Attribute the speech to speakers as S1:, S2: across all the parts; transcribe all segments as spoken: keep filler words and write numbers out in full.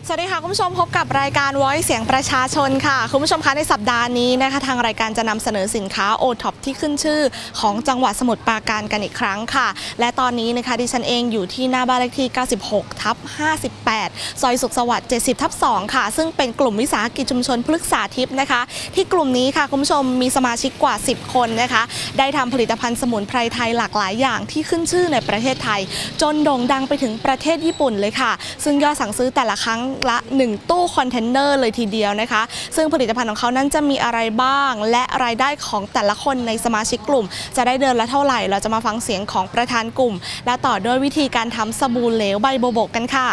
S1: สวัสดีค่ะคุณผู้ชมพบกับรายการ Voice เสียงประชาชนค่ะคุณผู้ชมคะในสัปดาห์นี้นะคะทางรายการจะนำเสนอสินค้า โอ ท็อป ที่ขึ้นชื่อของจังหวัดสมุทรปราการกันอีกครั้งค่ะและตอนนี้นะคะดิฉันเองอยู่ที่หน้าบ้านเลขที่ เก้าสิบหกทับห้าสิบแปด ซอยสุขสวัสดิ์ เจ็ดสิบทับสอง ค่ะซึ่งเป็นกลุ่มวิสาหกิจชุมชนพฤกษาทิพย์นะคะที่กลุ่มนี้ค่ะคุณผู้ชมมีสมาชิกกว่าสิบคนนะคะได้ทำผลิตภัณฑ์สมุนไพรไทยหลากหลายอย่างที่ขึ้นชื่อในประเทศไทยจนโด่งดังไปถึงประเทศญี่ปุ่นเลยค่ะซึ่งยอดสั่งซื้อแต่ละครั้งละหนึ่งตู้คอนเทนเนอร์เลยทีเดียวนะคะซึ่งผลิตภัณฑ์ของเขานั้นจะมีอะไรบ้างและรายได้ของแต่ละคนในสมาชิกกลุ่มจะได้เดือนละเท่าไหร่เราจะมาฟังเสียงของประธานกลุ่มและต่อด้วยวิธีการทำสบู่เหลวใบโบโบกกันค่ะ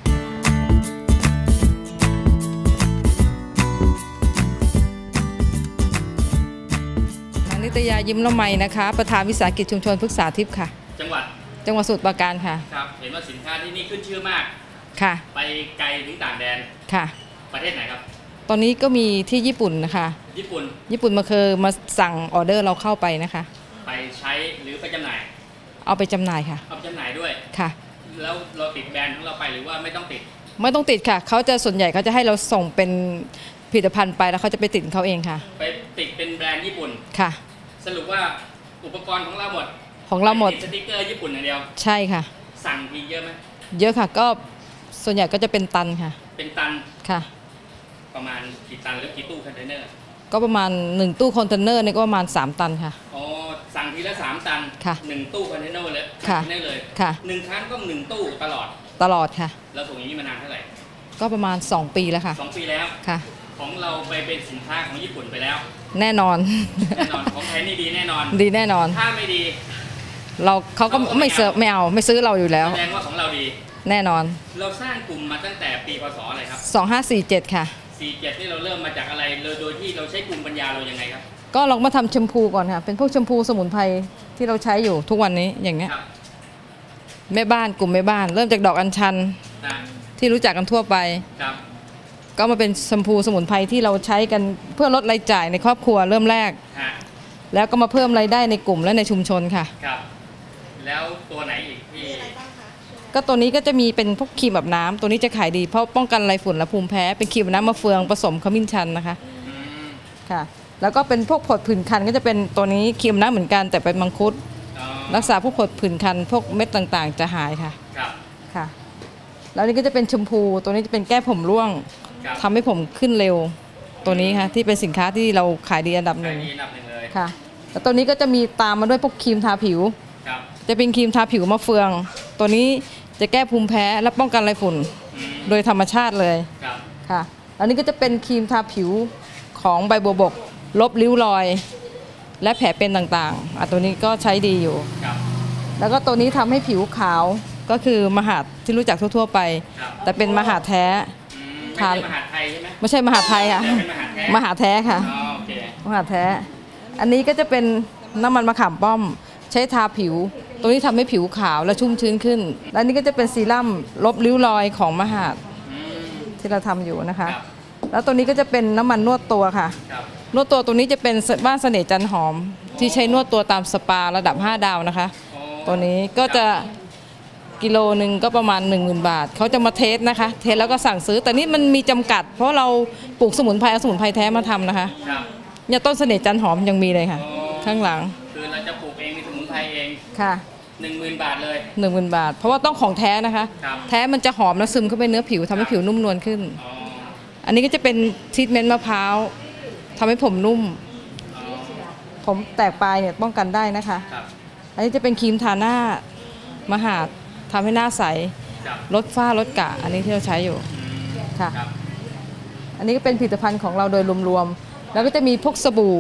S2: นิตยายิ้มละไมนะคะประธานวิสาหกิจชุมชนพฤกษาทิพย์ค่ะ
S3: จังหวัด
S2: จังหวัดสมุทรปราการค่ะ
S3: ครับเห็นว่าสินค้าที่นี่ขึ้นชื่อมาก
S2: ค่ะ
S3: ไปไกลถึงต่างแดน
S2: ค่ะ
S3: ประเทศไหนครับ
S2: ตอนนี้ก็มีที่ญี่ปุ่นนะคะ
S3: ญี่ปุ่น
S2: ญี่ปุ่นมาเคยมาสั่งออเดอร์เราเข้าไปนะคะ
S3: ไปใช้หรือไปจำหน่าย
S2: เอาไปจำหน่ายค่ะ
S3: เอาไปจำหน่ายด้วย
S2: ค่ะ
S3: แล้วเราติดแบรนด์ของเราไปหรือว่าไม่ต้องติด
S2: ไม่ต้องติดค่ะเขาจะส่วนใหญ่เขาจะให้เราส่งเป็นผลิตภัณฑ์ไปแล้วเขาจะไปติดเขาเองค่ะ
S3: ไปติดเป็นแบรนด์ญี่ปุ่น
S2: ค่ะ
S3: สรุปว่าอุปกรณ์ของเราหมด
S2: ของเราหมด
S3: สติ๊กเกอร์ญี่ปุ่นอย่างเดียว
S2: ใช่ค่ะ
S3: สั่งทีเยอะไหม
S2: เยอะค่ะก็ส่วนใหญ่ก็จะเป็นตันค่ะ
S3: เป็นตัน
S2: ค่ะ
S3: ประมาณกี่ตันหรือกี่ตู้คอนเทนเนอร์
S2: ก็ประมาณหนึ่งตู้คอนเทนเนอร์นี่ก็ประมาณสามตันค่ะ
S3: อ๋อสั่งทีละสามตัน
S2: ค่ะ
S3: หนึ่งตู้คอนเทนเนอร์เลย
S2: ค่ะ
S3: ได้เลย
S2: ค่ะ
S3: หนึ่งครั้งก็หนึ่งตู้ตลอด
S2: ตลอดค่ะ
S3: เราส่งอย่างนี้มานานเท่าไหร่
S2: ก็ประมาณสองปีแล้วค่ะ
S3: สองปีแล้ว
S2: ค่ะ
S3: ของเราไปเป็นสินค้าของญี่ปุ่นไปแล้ว
S2: แน่นอน
S3: แน่นอนของไทยนี่ดีแน่นอน
S2: ดีแน่นอน
S3: ถ้าไม่ดี
S2: เราเขาก็ไม่เสิร์ฟไม่เอาไม่ซื้อเราอยู่แล้ว
S3: แสดงว่าของเราดี
S2: แน่นอน
S3: เราสร้างกลุ่มมาตั้งแต่ปีพศอะไรครับ
S2: สองห้าสี่เจ็ดค่ะ
S3: สี่เจ็ดนี่เราเริ่มมาจากอะไรโดยที่เราใช้กลุ่มปัญญาเรายังไงครับ
S2: ก็ลองมาทำแชมพูก่อนค่ะเป็นพวกแชมพูสมุนไพรที่เราใช้อยู่ทุกวันนี้อย่างเนี้ยแม่บ้านกลุ่มแม่บ้านเริ่มจากดอกอัญชันที่รู้จักกันทั่วไปก็มาเป็นแชมพูสมุนไพรที่เราใช้กันเพื่อลดรายจ่ายในครอบครัวเริ่มแรกแล้วก็มาเพิ่มรายได้ในกลุ่มและในชุมชนค่ะ
S3: ครับแล้วตัวไหนอีกที่
S2: ก็ตัวนี้ก็จะมีเป็นพวกครีมแบบน้ำตัวนี้จะขายดีเพราะป้องกันไรฝุ่นและภูมิแพ้เป็นครีมน้ำมะเฟืองผสมขมิ้นชันนะคะค่ะแล้วก็เป็นพวกผดผื่นคันก็จะเป็นตัวนี้ครีมน้ำเหมือนกันแต่เป็นมังคุดรักษาพวกผดผื่นคันพวกเม็ดต่างๆจะหายค่ะค่ะแล้วนี่ก็จะเป็นชมพูตัวนี้จะเป็นแก้ผมร่วงทำให้ผมขึ้นเร็วตัวนี้ค่ะที่เป็นสินค้าที่เราขายดีอันดับหนึ่งค่ะแล้วตัวนี้ก็จะมีตามมาด้วยพวกครีมทาผิวจะเป็นครีมทาผิวมะเฟืองตัวนี้จะแก้ภูมิแพ้และป้องกันไรฝุ่นโดยธรรมชาติเลยค่ะอันนี้ก็จะเป็นครีมทาผิวของใบบัวบกลบริ้วรอยและแผลเป็นต่างๆอ่ะตัวนี้ก็ใช้ดีอยู่แล้วก็ตัวนี้ทำให้ผิวขาวก็คือมหาดที่รู้จักทั่วๆไปแต่เป็นมหาดแท้
S3: ไม่ใช่มหาไทยใช่ไหม
S2: ไม่ใช่มหาไทยค่ะมหาแท้ค่ะมหาแท้อันนี้ก็จะเป็นน้ำมันมะขามป้อมใช้ทาผิวตัวนี้ทำให้ผิวขาวและชุ่มชื้นขึ้นและนี่ก็จะเป็นซีรั่มลบริ้วรอยของมหาดที่เราทำอยู่นะคะแล้วตัวนี้ก็จะเป็นน้ำมันนวดตัวค่ะนวดตัวตัวนี้จะเป็นบ้านเสน่ห์จันหอมที่ใช้นวดตัวตามสปาระดับห้าดาวนะคะตัวนี้ก็จะกิโลหนึ่งก็ประมาณ หนึ่งหมื่น บาทเขาจะมาเทสนะคะเทสแล้วก็สั่งซื้อแต่นี่มันมีจำกัดเพราะเราปลูกสมุนไพรเอาสมุนไพรแท้มาทำนะคะเนี่ยต้นเสน่ห์จันหอมยังมีเลยค่ะข้างหลัง
S3: คือเราจะปลูกเองมีสมุนไพรเอง
S2: ค่ะ
S3: หนึ่งหมื่นบาทเลย
S2: หนึ่งหมื่นบาทเพราะว่าต้องของแท้นะคะแท้มันจะหอมและซึมเข้าไปเนื้อผิวทำให้ผิวนุ่มนวลขึ้นอันนี้ก็จะเป็นทรีทเมนต์มะพร้าวทำให้ผมนุ่มผมแตกปลายเนี่ยป้องกันได้นะคะอันนี้จะเป็นครีมทาหน้ามหาดทำให้หน้าใสลดฝ้าลดกระอันนี้ที่เราใช้อยู่ค่ะอันนี้ก็เป็นผลิตภัณฑ์ของเราโดยรวมๆแล้วก็จะมีพวกสบู่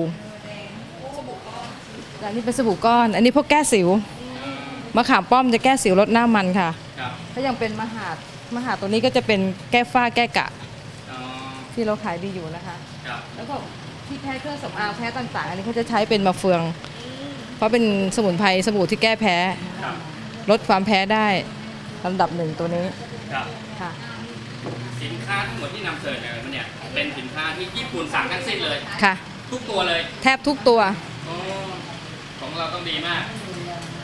S2: อันนี้เป็นสบู่ก้อนอันนี้พวกแก้สิวมะขามป้อมจะแก้สิวลดหน้ามันค่ะถ้ายังเป็นมหาดมหาดตัวนี้ก็จะเป็นแก้ฝ้าแก้กระที่เราขายดีอยู่นะคะแล้วก็ที่แพ้เครื่องสำอางแพ้ต่างๆอันนี้เขาจะใช้เป็นมะเฟืองเพราะเป็นสมุนไพรสบู่ที่แก้แพ้ลดความแพ้ได้ลำดับหนึ่งตัวนี้ค่ะ
S3: สินค้าทั้งหมดที่นำเสนอมาเนี่ยเป็นสินค้าที่ญี่ปุ่นสั่งทั้งสิ้นเลย
S2: ค่ะ
S3: ทุกตัวเลย
S2: แทบทุกตัว
S3: ของเราต้องดีมาก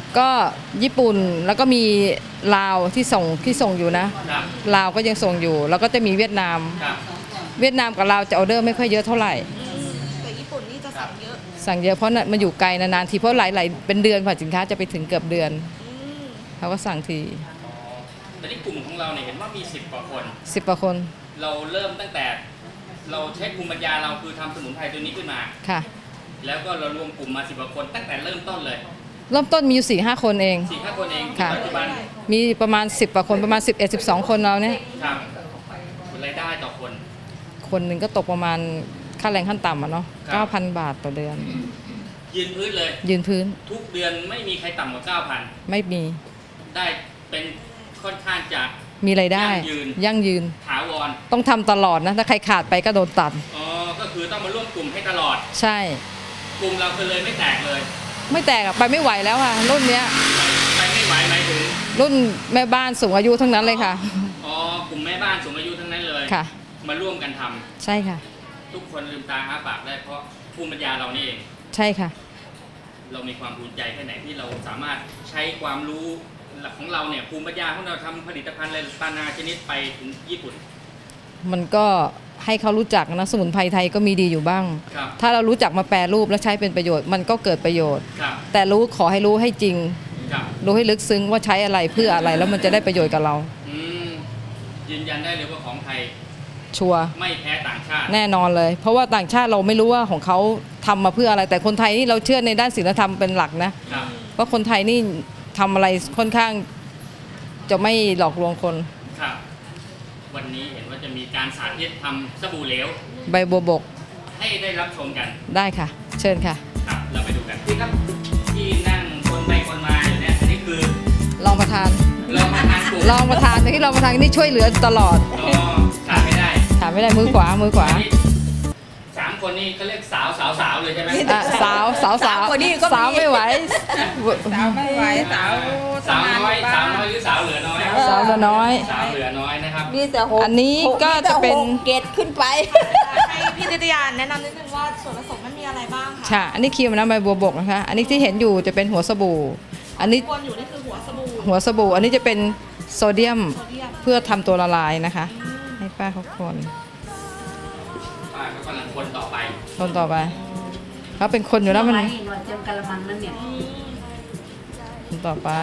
S2: ก็ญี่ปุ่นแล้วก็มีลาวที่ส่งที่ส่งอยู่นะลาวก็ยังส่งอยู่แล้วก็จะมีเวียดนามเวียดนามกับลาวจะออเดอร์ไม่ค่อยเยอะเท่าไหร่
S1: แต่ญี่ปุ่นนี่จะสั่งเยอะ
S2: สั่งเยอะเพราะมันอยู่ไกลนานๆทีเพราะหลายๆเป็นเดือนกว่าสินค้าจะไปถึงเกือบเดือนเขาก็สั่งที
S3: แต่ที่กลุ่มของเราเนี่ยเห็นว่ามีสิบกว่าคน
S2: สิบกว่าคน
S3: เราเริ่มตั้งแต่เราใช้ภูมิปัญญาเราคือทำสมุนไพรตัวนี้ขึ้นมา
S2: ค่ะ
S3: แล้วก็เรารวมกลุ่มมาสิบกว่าคนตั้งแต่เริ่มต้นเลย
S2: เริ่มต้นมีอยู่สี่ห้าคนเอง
S3: สี่ห้าคนเองปัจจุบัน
S2: มีประมาณสิบกว่าคนประมาณสิบเอ็ดสิบสองคนเราเนี่ย
S3: ครับรายได้ต่อคน
S2: คนหนึ่งก็ตกประมาณค่าแรงขั้นต่ำอ่ะเนาะเก้าพันบาทต่อเดือน
S3: ยืนพื้นเลย
S2: ยืนพื้น
S3: ทุกเดือนไม่มีใครต่ำกว่าเก้าพัน
S2: ไม่มี
S3: ได้เป็นค่อนข้างจะ
S2: มีรายได้ยั่งยืน
S3: ถาวร
S2: ต้องทำตลอดนะถ้าใครขาดไปก็โดนตัด
S3: อ๋อก็คือต้องมาร่วมกลุ่มให้ตลอด
S2: ใช่
S3: กลุ่มเราเลยไม่แตกเลย
S2: ไม่แตกไปไม่ไหวแล้วค่ะรุ่นเนี้ย
S3: ไปไม่ไหวหมายถึง
S2: รุ่นแม่บ้านสูงอายุทั้งนั้นเลยค่ะ
S3: อ๋อกลุ่มแม่บ้านสูงอายุทั้งนั้นเลย
S2: ค่ะ
S3: มาร่วมกันทำ
S2: ใช่ค่ะ
S3: ทุกคนลืมตาอ้าปากได้เพราะภูมิปัญญาเรานี่เอง
S2: ใช่ค่ะ
S3: เรามีความภูมิใจแค่ไหนที่เราสามารถใช้ความรู้ของเราเนี่ยภูมิปัญญาของเราทำผลิตภัณฑ์อะไรนานาชนิดไปถึงญี่ปุ่น
S2: มันก็ให้เขารู้จักนะสมุนไพรไทยก็มีดีอยู่บ้างถ้าเรารู้จักมาแปรรูปและใช้เป็นประโยชน์มันก็เกิดประโยชน์แต่รู้ขอให้รู้ให้จริงรู้ให้ลึกซึ้งว่าใช้อะไรเพื่ออะไรแล้วมันจะได้ประโยชน์กับเรา
S3: ยืนยันได้เลยว่าของไทย
S2: ชัวร์
S3: ไม่แพ้ต่างชาติ
S2: แน่นอนเลยเพราะว่าต่างชาติเราไม่รู้ว่าของเขาทำมาเพื่ออะไรแต่คนไทยนี่เราเชื่อในด้านศีลธรรมเป็นหลักนะเพราะคนไทยนี่ทำอะไรค่อนข้างจะไม่หลอกลวงคน
S3: ครับวันนี้เห็นว่าจะมีการสาธิตทำสบู่เหลว
S2: ใบบัวบก
S3: ให้ได้รับชมกัน
S2: ได้ค่ะเชิญค่ะ
S3: ครับเราไปดูกันที่ครับที่นั่งคนไปคนมาอยู่เนี่ยอันนี้คือ
S2: รองประธาน
S3: รองประธานกลุ่ม
S2: รองประธานที่รองประธานนี่ช่วยเหลือตลอด
S3: อ๋อขาดไม่ได้
S2: ขาดไม่ได้มือขวามือขวา
S3: สามคนนี้เขาเรียกสาวสาวสาวเลยใช่ไหม
S2: สาวสาวสาวคนนี้ก็สาวไม่ไหว
S4: สาวไม่ไหวสาว
S3: สาวน้อยสาวน้อยหรือสาวเหลือน้อย
S2: สาวเหลือน้อย
S3: สาวเหลือน้อยนะครับ
S4: มีแต่หก
S2: อันนี้ก็จะเป็น
S4: เกตขึ้นไป
S1: ให้พี่นิตยาแนะนำนิดนึงว่าส่วนผสมมันมีอะไรบ้างคะ
S2: ค่ะอันนี้ครีมน้ำใบบัวบกนะคะอันนี้ที่เห็นอยู่จะเป็นหัวสบู่อันนี้
S1: วนอยู่นี่คือหัวสบู่
S2: หัวสบู่อันนี้จะเป็นโซเดียมเพื่อทำตัวละลายนะคะให้ป้าเขาคน
S3: ป้าเขากำลังคนต่อไป
S2: คนต่อไปเขาเป็นคนอยู่แล้วมัน
S4: หน่อยเต็มกะละมังนั่นเนี่ย
S2: คนต่อไป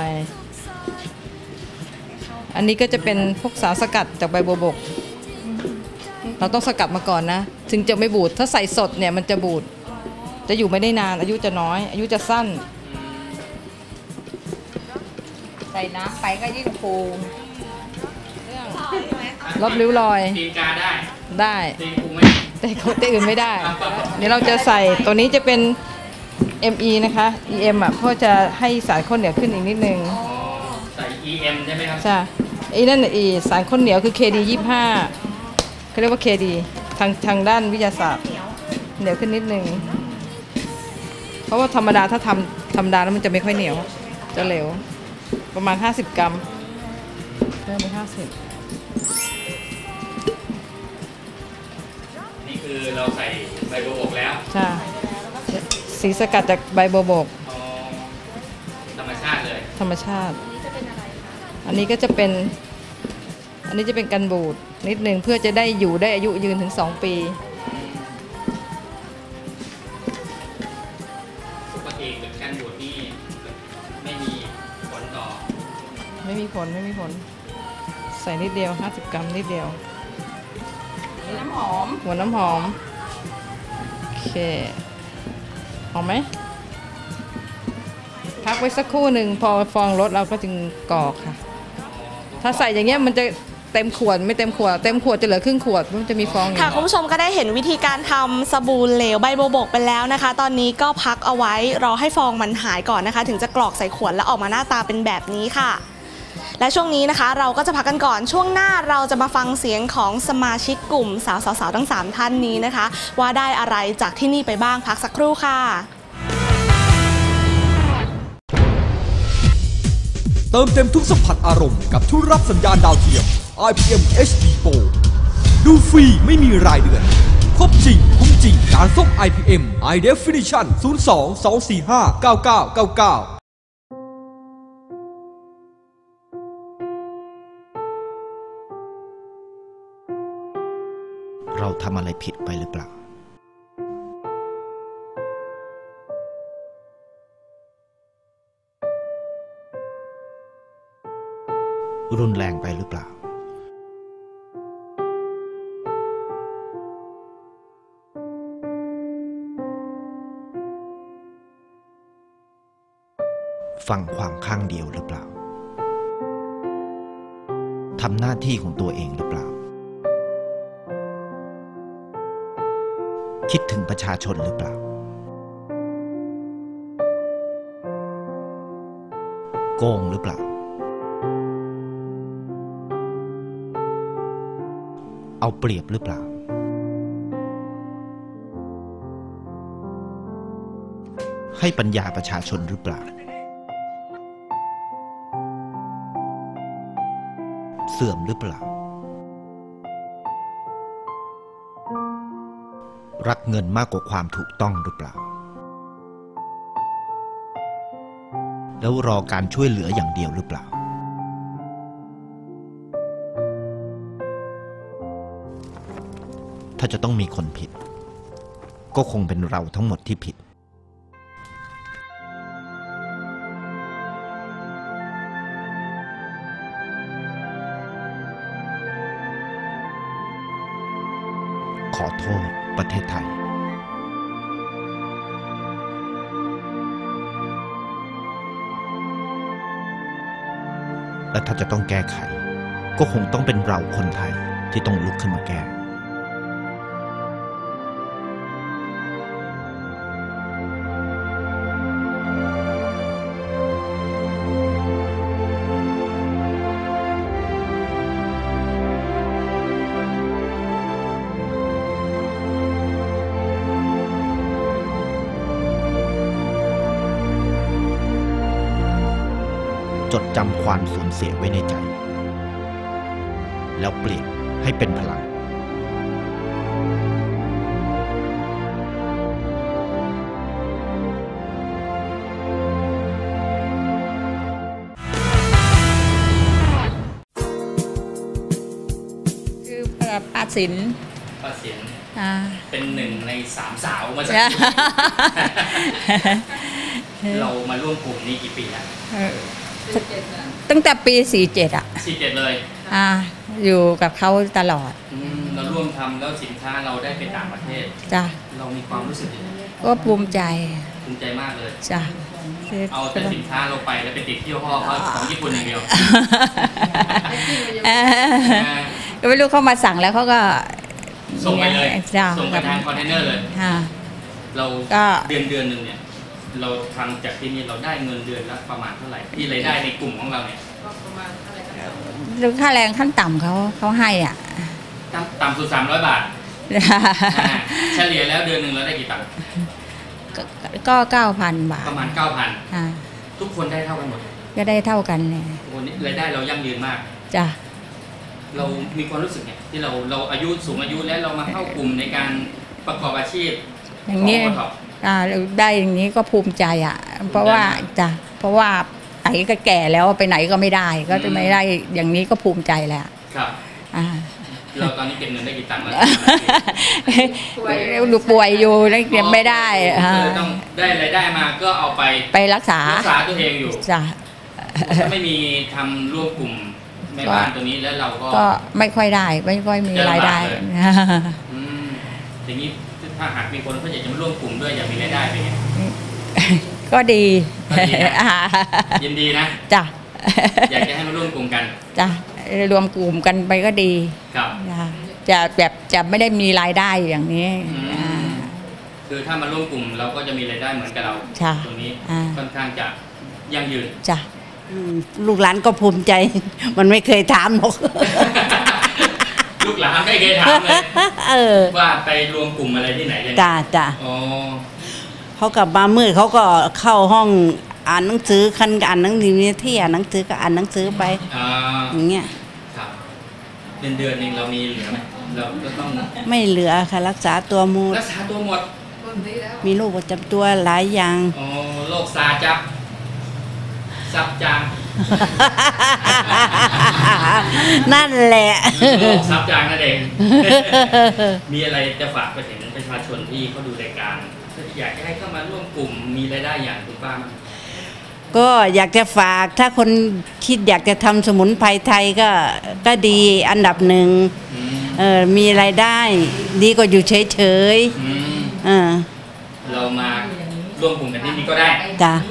S2: อันนี้ก็จะเป็นพวกสารสกัดจากใบบัวบกเราต้องสกัดมาก่อนนะถึงจะไม่บูดถ้าใส่สดเนี่ยมันจะบูดจะอยู่ไม่ได้นานอายุจะน้อยอายุจะสั้น
S4: ใส่น้ำไปก็ยิ่งฟู
S2: ลบริ้วรอย
S3: ตีกาได้
S2: ได้แต่ของที่อื่นไม่ได้เดี๋ยวเราจะใส่ตัวนี้จะเป็น เอ็ม อี นะคะ อี เอ็ม อ่ะเพื่อจะให้สารข้นเหนียวขึ้นอีกนิดนึง
S3: ใส่ อี เอ็ม ใช่ไหมครับ
S2: ใช่ไอ้นั่นอีสารข้นเหนียวคือ เค ดี ยี่สิบห้าเขาเรียกว่า เค ดี ทางทางด้านวิทยาศาสตร์เหนียวขึ้นนิดนึงเพราะว่าธรรมดาถ้าทำธรรมดาแล้วมันจะไม่ค่อยเหนียวจะเหลวประมาณห้าสิบกรัมเริ่มไปห้าสิบ
S3: นี่คือเราใส่ใบบัวบกแล้ว
S2: ใช่สีสกัดจากใบบัวบก
S3: ธรรมชาติเลย
S2: ธรรมชาติอันนี้ก็จะเป็นอันนี้จะเป็นกันบูดนิดนึงเพื่อจะได้อยู่ได้อายุยืนถึงสองปี
S3: ปกติกันบูดนี่ไม่มีผลต่อ
S2: ไม่มีผลไม่มีผลใส่นิดเดียวห้าสิบกรัมนิดเดียว
S4: น้ำหอม
S2: หัวน้ำหอมโอเคหอมไหมพักไว้สักครู่หนึ่งพอฟองลดเราก็จึงกรอกค่ะถ้าใส่อย่างเงี้ยมันจะเต็มขวดไม่เต็มขวดเต็มขวดจะเหลือครึ่งขวดมันจะมีฟอง
S1: ค่ะคุณผู้ชมก็ได้เห็นวิธีการทำสบู่เหลวใบบัวบกไปแล้วนะคะตอนนี้ก็พักเอาไว้รอให้ฟองมันหายก่อนนะคะถึงจะกรอกใส่ขวดแล้วออกมาหน้าตาเป็นแบบนี้ค่ะและช่วงนี้นะคะเราก็จะพักกันก่อนช่วงหน้าเราจะมาฟังเสียงของสมาชิกกลุ่มสาวๆทั้งสามท่านนี้นะคะว่าได้อะไรจากที่นี่ไปบ้างพักสักครู่ค่ะ
S5: เติมเต็มทุกสัมผัสอารมณ์กับทุกรับสัญญาณดาวเทียม ไอ พี เอ็ม เอช ดี Pro ดูฟรีไม่มีรายเดือนครบจริงคุ้มจริงการส่ง ไอ พี เอ็ม High Definition ศูนย์ สอง สอง สี่ ห้า เก้า เก้า เก้า เก้า
S6: เราทำอะไรผิดไปหรือเปล่ารุนแรงไปหรือเปล่าฟังความข้างเดียวหรือเปล่าทำหน้าที่ของตัวเองหรือเปล่าคิดถึงประชาชนหรือเปล่าโกงหรือเปล่าเอาเปรียบหรือเปล่าให้ปัญญาประชาชนหรือเปล่าเสื่อมหรือเปล่ารักเงินมากกว่าความถูกต้องหรือเปล่าแล้วรอการช่วยเหลืออย่างเดียวหรือเปล่าถ้าจะต้องมีคนผิดก็คงเป็นเราทั้งหมดที่ผิดขอโทษประเทศไทยและถ้าจะต้องแก้ไขก็คงต้องเป็นเราคนไทยที่ต้องลุกขึ้นมาแก้จดจำความสูญเสียไว้ในใจแล้วเปลี่ยนให้เป็นพลัง
S4: คือป้าสิน
S3: ป้าเสียน
S4: อ่า
S3: เป็นหนึ่งในสามสาวมาจาก เรามาร่วมกลุ่มนี้กี่ปีแล้ว
S4: ตั้งแต่ปีสี่เจ็ดอ่ะ
S3: สี่เจ็ดเลย
S4: อ่าอยู่กับเขาตลอด
S3: อืมเราร่วมทำแล้วสินค้าเราได้ไปต่างประเทศ
S4: จ้ะ
S3: เรามีความรู้สึกยังไง
S4: ก็ภูมิใจ
S3: ภูมิใจมากเลย
S4: จ้ะ
S3: เอาแต่สินค้าเราไปแล้วไปติดที่ห้อเขาของญี่ปุ่นอย่างเดียว
S4: เออก็ไม่รู้เขามาสั่งแล้วเขาก็
S3: ส่งไปเลย
S4: จ้ะ
S3: ส่งไปทางคอนเทนเนอร์เลย
S4: ค่ะ
S3: เรา
S4: ก็
S3: เดือนเดือนหนึ่งเนี่ยเราทำจากที่นี่เราได้เงินเดือนละประมาณเท่าไหร่ที่รายได้ในกลุ่มของเราเนี่ย
S4: หรือค่าแรงขั้นต่ำเขาเขาให้อ่ะ
S3: ต่ำต่ำสุดสามร้อยบาทอ่าเฉลี่ยแล้วเดือนหนึ่งเราได้กี่ตังค์
S4: ก็ก็เก้าพันบาท
S3: ประมาณเก้าพัน
S4: อ่า
S3: ทุกคนได้เท่ากันหมด
S4: ก็ได้เท่ากันเลย
S3: วันนี้รายได้เรายั่งยืนมาก
S4: จ้ะ
S3: เรามีความรู้สึกเนี่ยที่เราเราอายุสูงอายุแล้วเรามาเข้ากลุ่มในการประกอบอาชีพ
S4: อย่างนี้
S3: ขท็อป
S4: อ่าได้อย่างนี้ก็ภูมิใจอ่ะ เพราะว่าจ้ะเพราะว่าไอ้ก็แก่แล้วไปไหนก็ไม่ได้ ก็จะไม่ได้อย่างนี้ก็ภูมิใจแหละ
S3: ครับ
S4: อ่า
S3: เราตอนนี้เก็บเงินได้กี่ตังค์แล้ว
S4: ดูป่วยอยู่แล้วเก็บไม่ได้
S3: ก็
S4: อ่า
S3: เลยต้องได้รายได้มาก็เอาไป
S4: ไปรักษา
S3: รักษาตัวเองอยู่
S4: จ้ะ
S3: ถ้าไม่มีทำร่วมกลุ่มแม่บ้านตัวนี้แล้วเราก็
S4: ก็ไม่ค่อยได้ไม่ค่อยมีรายได้
S3: อืมอย่างนี้ถ้าหากมีคนเขาอยากจะมาร่วมกลุ่มด้วยอยากมีรายได้เป็นไง
S4: ก็ดี
S3: ก็ดีนะ ยินดีนะ
S4: จ้ะ
S3: อยากจะให้มาร่วมกลุ่มกัน
S4: จ้ะรวมกลุ่มกันไปก็ดี
S3: ครับ
S4: จ้ะจะแบบจะไม่ได้มีรายได้อย่างนี้
S3: อืม
S4: อ่า
S3: คือถ้ามาร่วมกลุ่มเราก็จะมีรายได้เหมือนกับเรา
S4: ใช่
S3: ตรงนี้
S4: อ่า
S3: ค่อนข้างจะยั่งยืน
S4: จ้ะ
S7: อืมลูกหลานก็ภูมิใจ มันไม่เคยถามหรอก
S3: ลูกหลานไม่เคยถามเลย
S7: เออ
S3: ว่าไปรวมกลุ่มอะไรที่ไหนกัน
S7: จ้าจ้า
S3: อ๋อ
S7: เขากลับมามืดเขาก็เข้าห้องอ่านหนังสือคันก็อ่านหนังสือมีที่อ่านหนังสือก็อ่านหนังสือไป
S3: อ่า
S7: อย่างเงี้ย
S3: ครับเดือนเดือนหนึงเรามีเหลือไหมเราก็ต้อง
S7: ไม่เหลือค่ะรักษาตัวหมู
S3: รักษาตัวหมด
S7: มีโรคประจำตัวหลายอย่าง
S3: อ๋อโรคซาจับซับจาง
S7: นั่นแหละ
S3: โลกซับจางนั่นเอง มีอะไรจะฝากไปถึงประชาชนที่เขาดูรายการอยากจะให้เข้ามาร่วมกลุ่มมีรายได้อย่างคุณป้ามั้ย
S7: ก็อยากจะฝากถ้าคนคิดอยากจะทำสมุนไพรไทยก็ก็ดีอันดับหนึ่งเออมีรายได้ดีกว่าอยู่เฉยๆเออ
S3: เรามาร่วมกลุ่มกันที่นี่ก็ได้
S7: จ้ะ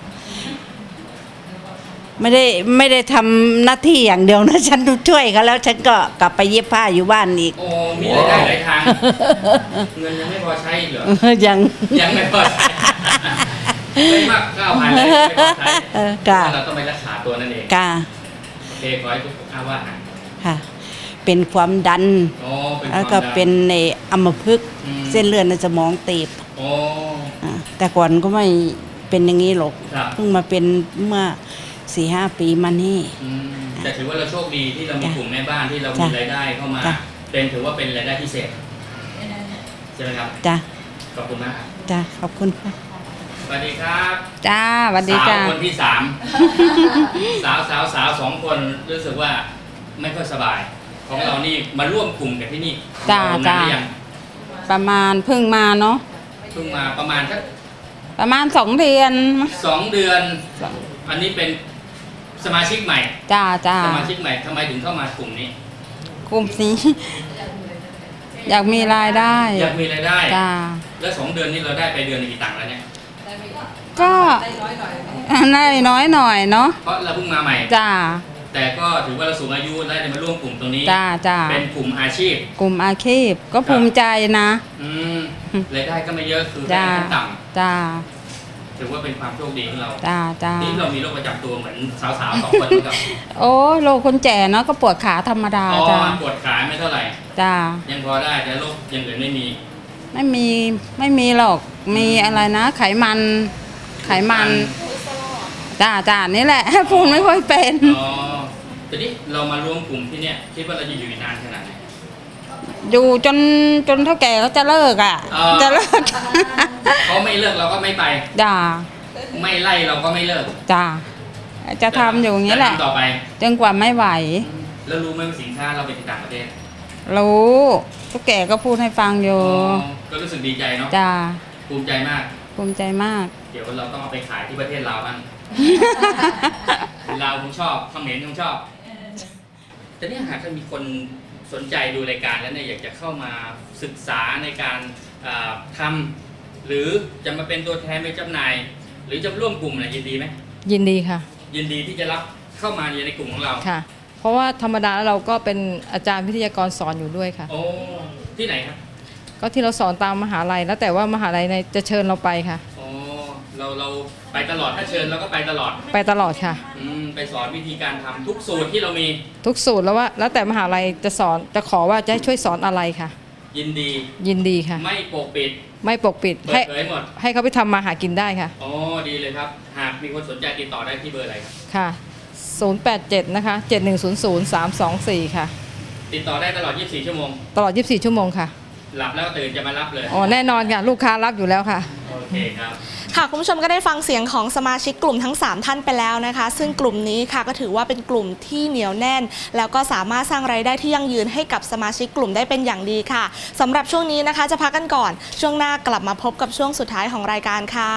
S7: ไม่ได้ไม่ได้ทำหน้าที่อย่างเดียวนะฉันช่วยเขาแล้วฉันก็กลับไปเย็บผ้าอยู่บ้านอีก
S3: โอ้มีรายได้หลายทางเงินยังไม่พอใช้เหรอ
S7: ยัง
S3: ยังไม่พอใช้ไม่มากเก้าพันเลยไม่พอใช้เราต้องไปรักษาตัวนั่นเอง
S7: กา
S3: โอเคขอให้ทุกท่านว่าหาย
S7: ค่ะเป็นความดัน
S3: อ๋อเป็น
S7: แล้วก็เป็นในอัมพฤกษ์เส้นเลือดในสมองตีบ
S3: อ๋อ
S7: อ่าแต่ก่อนก็ไม่เป็นอย่างนี้หรอก
S3: ครับ
S7: เพิ่งมาเป็นเมื่อสี่ห้าปีมานี่
S3: อืมแต่ถือว่าเราโชคดีที่เรามีกลุ่มแม่บ้านที่เรามี
S7: จ้ะ
S3: รายได้เข้ามา
S7: จ้ะ
S3: เป็นถือว่าเป็นรายได้พิเศษใช่ไหมครับ
S7: จ้ะ
S3: ขอบคุณมากครับ
S7: จ้ะขอบคุณค่ะ
S3: สวัสดีครับ
S2: จ้าสวัสดี
S3: สาว
S2: จ้า
S3: คนที่สาม สาวสาวสาวสองคนรู้สึกว่าไม่ค่อยสบาย ของเรานี่มาร่วมกลุ่มกันที่นี่
S2: จ้า
S3: เรนน
S2: จ้า
S3: หรือยัง
S2: ประมาณเพิ่งมาเนาะ
S3: เพิ่งมาประมาณสัก
S2: ประมาณสองเดือน
S3: สองเดือน อันนี้เป็นสมาชิกใหม่
S2: จ้าจ้า
S3: สมาชิกใหม่ทำไมถึงเข้ามากลุ่มนี้
S2: กลุ่มนี้ อยากมีรายได้
S3: อยากมีรายได้
S2: จ้า
S3: แล้วสองเดือนนี้เราได้ไปเดือนละกี่ตังค์แล้วเนี่ย
S2: ก็ได้น้อยหน่อยเนาะ
S3: เพราะเราเพิ่งมาใหม่
S2: จ้า
S3: แต่ก็ถือว่าเราสูงอายุได้มาร่วมกลุ่มตรงนี้
S2: จ้าจ้า
S3: เป็นกลุ่มอาชีพ
S2: กลุ่มอาชีพก็ภูมิใจนะ
S3: อืมรายได้ก็ไม่เยอะคือ
S2: จ้า
S3: รายได้ต่
S2: จ้า
S3: ำถือว่าเป็นความโชคดีของเรา
S2: จ้าจ้า
S3: นี่เรามีโรคประจำตัวเหมือนสาวๆสองคนเหมือนกัน
S2: โอ้โลคนแก่เนาะก็ปวดขาธรรมดา
S3: อ๋อ
S2: จ้า
S3: ปวดขาไม่เท่าไหร่
S2: จ้า
S3: ยังพอได้แต่โรคอย่างอื่นไม่มี
S2: ไม่มีไม่มีหรอกมีอะไรนะ ไขมัน ไขมันจ้าจ้านี่แหละ พูดไม่ค่อยเป็น
S3: อ๋อทีนี้เรามาร่วมกลุ่มที่เนี่ยคิดว่าเราจะอยู่อีกนานขนาดไหน
S2: อยู่จนจนเท่าแก่เขาจะเลิกอ่ะ
S3: อ๋อ
S2: จะเลิก
S3: เขาไม่เลิกเราก็ไม่ไป
S2: จ้า
S3: ไม่ไล่เราก็ไม่เลิก
S2: จ้าจะทำอยู่อย่างนี้แหละ
S3: จทำต่อไป
S2: จนกว่าไม่ไหว
S3: แล้วรู้ไหมว่าสินค้าเราไปที่ต่างประเทศ
S2: รู้ทุกแก่ก็พูดให้ฟังอยู่
S3: อ๋อก็รู้สึกดีใจเนาะ
S2: จ้า
S3: ภูมิใจมาก
S2: ภูมิใจมาก
S3: เดี๋ยวเราต้องเอาไปขายที่ประเทศลาวบ้าง ลาวคงชอบเขมรคงชอบแต่เนี่ยหากมีคนสนใจดูรายการแล้วเนี่ยอยากจะเข้ามาศึกษาในการเอ่อทำหรือจะมาเป็นตัวแทนไปจำหน่าย หรือจะร่วมกลุ่มอะไรยินดีไหม
S2: ยินดีค่ะ
S3: ยินดีที่จะรับเข้ามาในกลุ่มของเรา
S2: ค่ะ เพราะว่าธรรมดาแล้วเราก็เป็นอาจารย์วิทยากรสอนอยู่ด้วยค่ะ
S3: โอ้ที่ไหนครับ
S2: ก็ที่เราสอนตามมหาลัยแล้วแต่ว่ามหาลัยในจะเชิญเราไปค่ะ
S3: โอ้เราเราไปตลอดถ้าเชิญเราก็ไปตลอด
S2: ไปตลอดค่ะ
S3: อืมไปสอนวิธีการทำทุกสูตรที่เรามี
S2: ทุกสูตรแล้วว่า แล้วแต่มหาลัยจะสอนจะขอว่าจะให้ช่วยสอนอะไรค่ะ
S3: ยินดี
S2: ยินดีค่ะ
S3: ไม่ปกปิด
S2: ไม่ปกปิด
S3: เปิ
S2: ให้
S3: ดเผยหมด
S2: ให้เขาไปทำมาหากินได้ค่ะ
S3: อ๋อดีเลยครับ หากมีคนสนใจติดต่อได้ที่เบอร์อะไรครับ
S2: ค่ะ ศูนย์ แปด เจ็ด นะคะ เจ็ด หนึ่ง ศูนย์ ศูนย์ สาม สอง สี่ ค่ะ
S3: ติดต่อได้ตลอด ยี่สิบสี่ ชั่วโมง
S2: ตลอด ยี่สิบสี่ ชั่วโมงค่ะ
S3: หลับแล้วตื่นจะมารับเลย
S2: อ๋อ แน่นอนค่ะ ลูกค้ารับอยู่แล้วค่ะ
S3: โอเคครับ
S1: ค่ะคุณผู้ชมก็ได้ฟังเสียงของสมาชิกกลุ่มทั้งสามท่านไปแล้วนะคะ ซึ่งกลุ่มนี้ค่ะก็ถือว่าเป็นกลุ่มที่เหนียวแน่น แล้วก็สามารถสร้างรายได้ที่ยั่งยืนให้กับสมาชิกกลุ่มได้เป็นอย่างดีค่ะสำหรับช่วงนี้นะคะจะพักกันก่อนช่วงหน้ากลับมาพบกับช่วงสุดท้ายของรายการค่ะ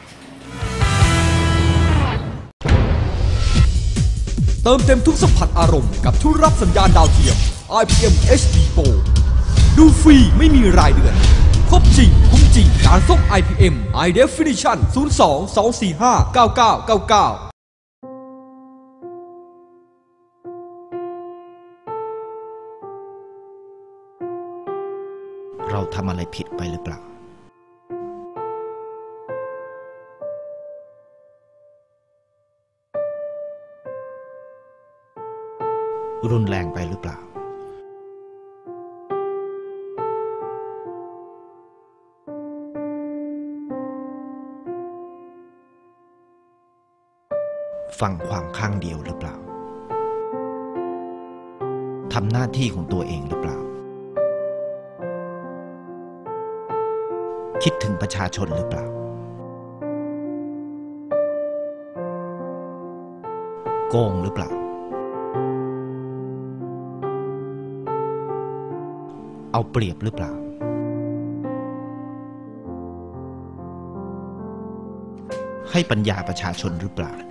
S5: เติมเต็มทุกสัมผัสอารมณ์กับทุกรับสัญญาณดาวเทียม ไอ พี เอ็ม เอช ดี Pro ดูฟรีไม่มีรายเดือนครบจริงคุ้มจริงการส่ง ไอ พี เอ็ม High Definition ศูนย์ สอง สอง สี่ ห้า เก้า เก้า เก้า เก้า
S6: เราทำอะไรผิดไปหรือเปล่า รุนแรงไปหรือเปล่า ฟังความข้างเดียวหรือเปล่า ทำหน้าที่ของตัวเองหรือเปล่า คิดถึงประชาชนหรือเปล่าโกงหรือเปล่าเอาเปรียบหรือเปล่าให้ปัญญาประชาชนหรือเปล่า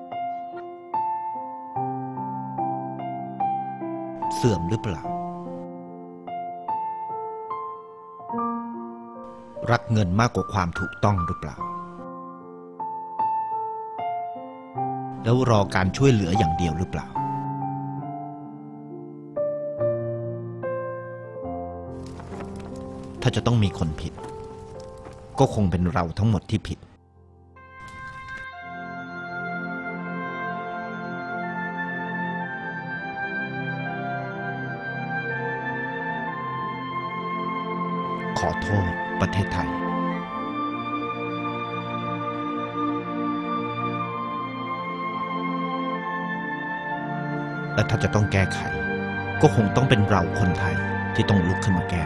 S6: เสื่อมหรือเปล่ารักเงินมากกว่าความถูกต้องหรือเปล่าแล้วรอการช่วยเหลืออย่างเดียวหรือเปล่าถ้าจะต้องมีคนผิดก็คงเป็นเราทั้งหมดที่ผิดขอโทษประเทศไทยและถ้าจะต้องแก้ไขก็คงต้องเป็นเราคนไทยที่ต้องลุกขึ้นมาแก้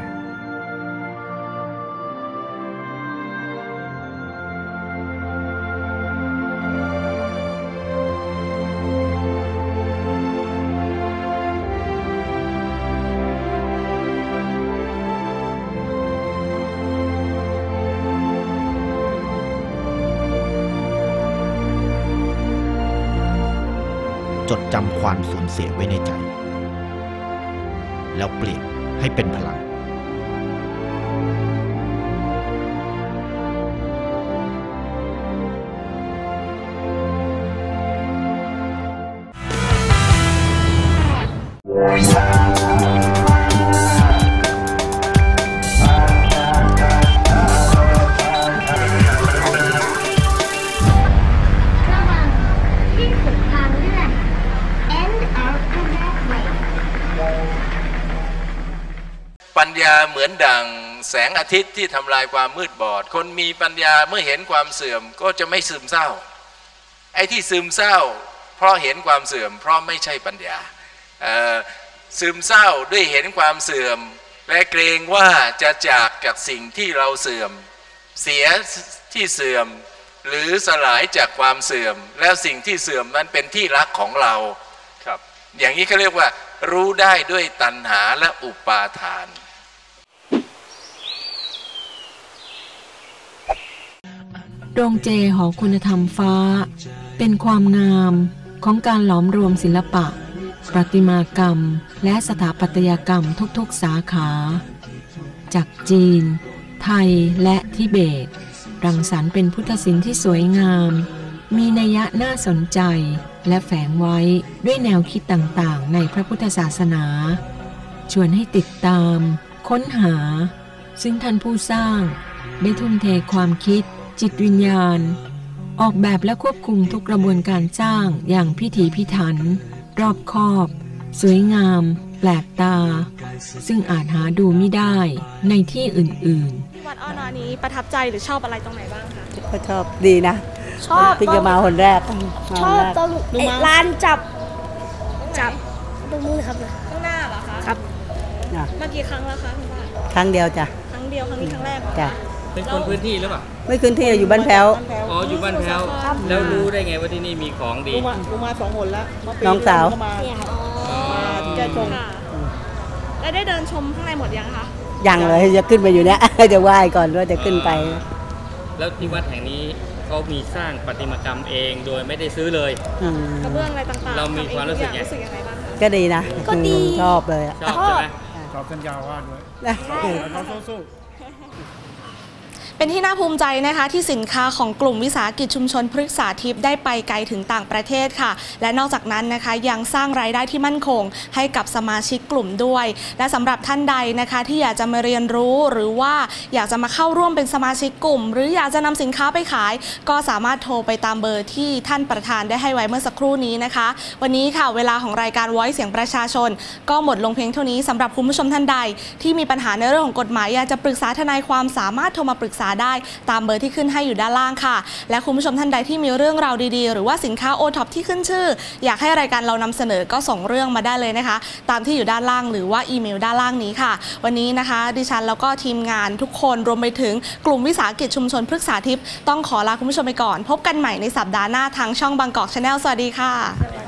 S6: จดจำความสูญเสียไว้ในใจแล้วเปลี่ยนให้เป็นพลัง
S8: ปัญญาเหมือนดั่งแสงอาทิตย์ที่ทำลายความมืดบอดคนมีปัญญาเมื่อเห็นความเสื่อมก็จะไม่ซึมเศร้าไอ้ที่ซึมเศร้าเพราะเห็นความเสื่อมเพราะไม่ใช่ปัญญาซึมเศร้าด้วยเห็นความเสื่อมและเกรงว่าจะจากจากสิ่งที่เราเสื่อมเสียที่เสื่อมหรือสลายจากความเสื่อมแล้วสิ่งที่เสื่อมนั้นเป็นที่รักของเราครับอย่างนี้เขาเรียกว่ารู้ได้ด้วยตัณหาและอุปาทาน
S9: โรงเจหอคุณธรรมฟ้าเป็นความงามของการหลอมรวมศิลปะประติมากรรมและสถาปัตยกรรมทุกๆสาขาจากจีนไทยและทิเบตรังสรรค์เป็นพุทธศิลป์ที่สวยงามมีนัยยะน่าสนใจและแฝงไว้ด้วยแนวคิดต่างๆในพระพุทธศาสนาชวนให้ติดตามค้นหาซึ่งท่านผู้สร้างได้ทุ่มเทความคิดจิตวิญญาณออกแบบและควบคุมทุกกระบวนการสร้างอย่างพิถีพิถันรอบคอบสวยงามแปลกตาซึ่งอาจหาดูไม่ได้ในที่อื่นๆ
S1: วัดอ้อนอนี้ประทับใจหรือชอบอะไรตรงไหนบ้างคะ
S10: ก็ชอบดีนะ
S11: ชอบ
S10: พี่จะมาคนแรก
S11: ชอบตรงร้านจับจับตรงนู้นครับ
S1: ข้างหน้าเหรอคะ
S11: ครับ
S1: มากี่ครั้งแล้วคะคุณป้า
S10: ครั้งเดียวจ้ะ
S1: ครั้งเดียวครั้งนี้ครั้งแรก
S10: จ้ะ
S3: เป็นคนพื้นที่หรือเปล่า
S10: ไม่พื้นที่อยู่บ้านแพ้ว
S3: อ๋ออยู่บ้านแพ้วแล้วรู้ได้ไงว่าที่นี่มีของดี
S10: มากูมาสองคนแล้วน้องสาว
S1: มาแกชมแล้วได้เดินชมข้างในหมดยังคะ
S10: ยังเลยจะขึ้นไปอยู่เนี้ยจะไหว้ก่อนว่าจะขึ้นไป
S3: แล้วที่วัดแห่งนี้เขามีสร้างประติมากรรมเองโดยไม่ได้ซื้อเลย
S1: กระเบื้องอะไรต่างๆ
S3: เรามีความรู้สึกยัง
S1: ไงบ้าง
S10: ก็ดีนะ
S11: ก็ดี
S10: ชอบเลย
S3: ชอบใช่ไหม
S10: ชอบสัญญาว่าด้วยเขาสู้
S1: เป็นที่น่าภูมิใจนะคะที่สินค้าของกลุ่มวิสาหกิจชุมชนพฤกษาทิพย์ได้ไปไกลถึงต่างประเทศค่ะและนอกจากนั้นนะคะยังสร้างรายได้ที่มั่นคงให้กับสมาชิกกลุ่มด้วยและสำหรับท่านใดนะคะที่อยากจะมาเรียนรู้หรือว่าอยากจะมาเข้าร่วมเป็นสมาชิกกลุ่มหรืออยากจะนำสินค้าไปขายก็สามารถโทรไปตามเบอร์ที่ท่านประธานได้ให้ไว้เมื่อสักครู่นี้นะคะวันนี้ค่ะเวลาของรายการ Voice เสียงประชาชนก็หมดลงเพียงเท่านี้สำหรับคุณผู้ชมท่านใดที่มีปัญหาในเรื่องของกฎหมายอยากจะปรึกษาทนายความสามารถโทรมาปรึกษาได้ตามเบอร์ที่ขึ้นให้อยู่ด้านล่างค่ะและคุณผู้ชมท่านใดที่มีเรื่องราวดีๆหรือว่าสินค้าโอท็อปที่ขึ้นชื่ออยากให้รายการเรานำเสนอก็ส่งเรื่องมาได้เลยนะคะตามที่อยู่ด้านล่างหรือว่าอีเมลด้านล่างนี้ค่ะวันนี้นะคะดิฉันแล้วก็ทีมงานทุกคนรวมไปถึงกลุ่มวิสาหกิจชุมชนพฤกษาทิพย์ต้องขอลาคุณผู้ชมไปก่อนพบกันใหม่ในสัปดาห์หน้าทางช่องบางกอก Channel สวัสดีค่ะ